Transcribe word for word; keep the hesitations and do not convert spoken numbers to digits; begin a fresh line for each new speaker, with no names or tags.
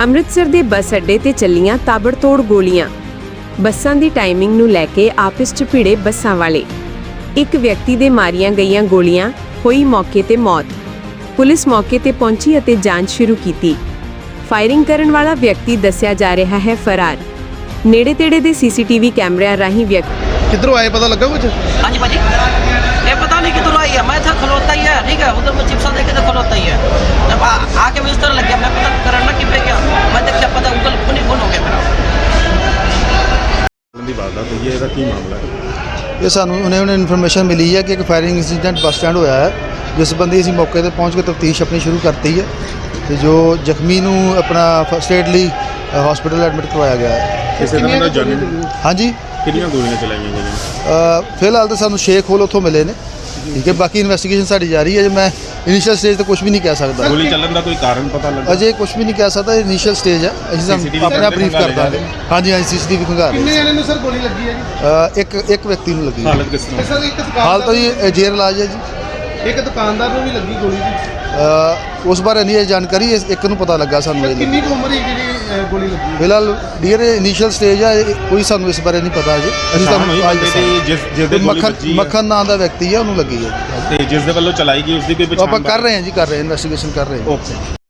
ਅੰਮ੍ਰਿਤਸਰ ਦੇ ਬੱਸ ਅੱਡੇ ਤੇ ਚੱਲੀਆਂ ਤਾਬੜਤੋੜ ਗੋਲੀਆਂ। ਬੱਸਾਂ ਦੀ ਟਾਈਮਿੰਗ ਨੂੰ ਲੈ ਕੇ ਆਪਸ 'ਚ ਭਿੜੇ ਬੱਸਾਂ ਵਾਲੇ। ਇੱਕ ਵਿਅਕਤੀ ਦੇ ਮਾਰੀਆਂ ਗਈਆਂ ਗੋਲੀਆਂ, ਹੋਈ ਮੌਕੇ ਤੇ ਮੌਤ। ਪੁਲਿਸ ਮੌਕੇ ਤੇ ਪਹੁੰਚੀ ਅਤੇ ਜਾਂਚ ਸ਼ੁਰੂ ਕੀਤੀ। ਫਾਇਰਿੰਗ ਕਰਨ ਵਾਲਾ ਵਿਅਕਤੀ ਦੱਸਿਆ ਜਾ ਰਿਹਾ ਹੈ ਫਰਾਰ। ਨੇੜੇ ਤੇੜੇ ਦੇ ਸੀਸੀਟੀਵੀ ਕੈਮਰਿਆਂ ਰਾਹੀਂ ਵਿਅਕਤੀ
किधरों आए पता लगा कुछ?
हाँ जी भाजी, ये पता नहीं किधर आई है। मैं था खलोता ही है, ठीक है, उधर मैं चिप्सा देखे तो खलोता ही है। जब आ- आके मैं इस तरह लग गया, मैं पता करना कि पे गया, मैं देखा पता गूगल फोन ही फोन हो गया मेरा।
ਦੀ ਵਾਰਦਾਤ ਹੋਈ ਹੈ, ਇਹਦਾ ਕੀ ਮਾਮਲਾ ਹੈ?
ਇਹ ਸਾਨੂੰ ਉਹਨੇ ਉਹਨੇ ਇਨਫੋਰਮੇਸ਼ਨ ਮਿਲੀ ਹੈ ਕਿ ਇੱਕ ਫਾਇਰਿੰਗ ਇੰਸੀਡੈਂਟ ਬੱਸ ਸਟੈਂਡ ਹੋਇਆ ਹੈ, ਜਿਸ ਸੰਬੰਧੀ ਅਸੀਂ ਮੌਕੇ ਤੇ ਪਹੁੰਚ ਕੇ ਤਫਤੀਸ਼ ਆਪਣੀ ਸ਼ੁਰੂ ਕਰਤੀ ਹੈ ਤੇ ਜੋ ਜ਼ਖਮੀ ਨੂੰ ਆਪਣਾ ਫਸਟ ਏਡ ਲਈ ਹਸਪੀਟਲ ਐਡਮਿਟ ਕਰਵਾਇਆ ਗਿਆ ਹੈ।
ਕਿਸੇ ਤਰ੍ਹਾਂ ਦਾ ਜਾਨੀ
ਹਾਂਜੀ,
ਕਿੰਨੀਆਂ ਗੋਲੀਆਂ ਚਲਾਈਆਂ ਗਈਆਂ?
ਅ, ਫਿਲਹਾਲ ਤਾਂ ਸਾਨੂੰ ਸ਼ੇਖ ਹੋਲ ਉੱਥੋਂ ਮਿਲੇ ਨੇ, ਠੀਕ ਹੈ। ਬਾਕੀ ਇਨਵੈਸਟੀਗੇਸ਼ਨ ਸਾਡੀ ਜਾਰੀ ਹੈ। ਜੇ ਮੈਂ ਇਨੀਸ਼ੀਅਲ ਸਟੇਜ ਤੇ ਕੁਝ ਵੀ ਨਹੀਂ ਕਹਿ ਸਕਦਾ,
ਗੋਲੀ ਚੱਲਣ ਦਾ ਕੋਈ ਕਾਰਨ ਪਤਾ ਲੱਗਾ?
ਅਜੇ ਕੁਝ ਵੀ ਨਹੀਂ ਕਹਿ ਸਕਦਾ। ਇਨੀਸ਼ੀਅਲ ਸਟੇਜ ਹੈ, ਅਸੀਂ ਤੁਹਾਨੂੰ ਆਪਣਾ ਬਰੀਫ ਕਰ ਦਾਂਗੇ। ਹਾਂਜੀ ਹਾਂਜੀ, ਸੀਸੀਟੀਵੀ ਖੰਗਾ ਰਹੇ।
ਕਿੰਨੇ ਜਣੇ ਨੂੰ ਸਰ ਗੋਲੀ ਲੱਗੀ ਹੈ ਜੀ?
ਅ, ਇੱਕ ਇੱਕ ਵਿਅਕਤੀ ਨੂੰ ਲੱਗੀ ਹੈ।
ਹਾਲਤ ਕਿਸ ਤਰ੍ਹਾਂ?
ਸਰ ਇੱਕ
ਹਾਲ ਤਾਂ
ਦੁਕਾਨਦਾਰ
ਜੀ ਜੇਰ ਇਲਾਜ ਹੈ ਜੀ।
ਇੱਕ ਦੁਕਾਨਦਾਰ ਨੂੰ ਵੀ ਲੱਗੀ ਗੋਲੀ ਜੀ।
ਅ, ਉਸ ਬਾਰੇ ਨਹੀਂ ਇਹ ਜਾਣਕਾਰੀ, ਇਸ ਇੱਕ ਨੂੰ ਪਤਾ ਲੱਗਾ ਸਾਨੂੰ। ਇਹ
ਕਿੰਨੀ ਕੁ ਉਮਰ ਹੈ ਜਿਹੜੀ ਅਹ, ਗੋਲੀ ਲੱਗੀ ਹੈ?
ਫਿਲਹਾਲ ਡੀਅਰ ਇਨੀਸ਼ੀਅਲ ਸਟੇਜ ਹੈ, ਇਹ ਕੋਈ ਸਾਨੂੰ ਇਸ ਬਾਰੇ ਨਹੀਂ ਪਤਾ ਅਜੇ। ਅਸੀਂ
ਪਛਾਣ ਹੋਈ
ਤੁਹਾਨੂੰ ਅੱਜ
ਬੰਦੇ ਦੀ ਜਿਸ ਜਿਸ ਦੇ ਗੋਲੀ
ਮੱਖਣ
ਵੱਜੀ ਹੈ?
ਮੱਖਣ ਨਾਂ ਦਾ ਵਿਅਕਤੀ ਹੈ, ਉਹਨੂੰ ਲੱਗੀ ਹੈ।
ਤੇ ਜਿਸ ਦੇ ਵੱਲੋਂ ਚਲਾਈ ਗਈ ਉਸ ਦੀ ਕੋਈ ਪਛਾਣ?
ਆਪਾਂ ਕਰ ਰਹੇ ਹਾਂ ਜੀ, ਕਰ ਰਹੇ ਹਾਂ, ਇਨਵੈਸਟੀਗੇਸ਼ਨ ਕਰ ਰਹੇ ਹਾਂ।
ਓਕੇ।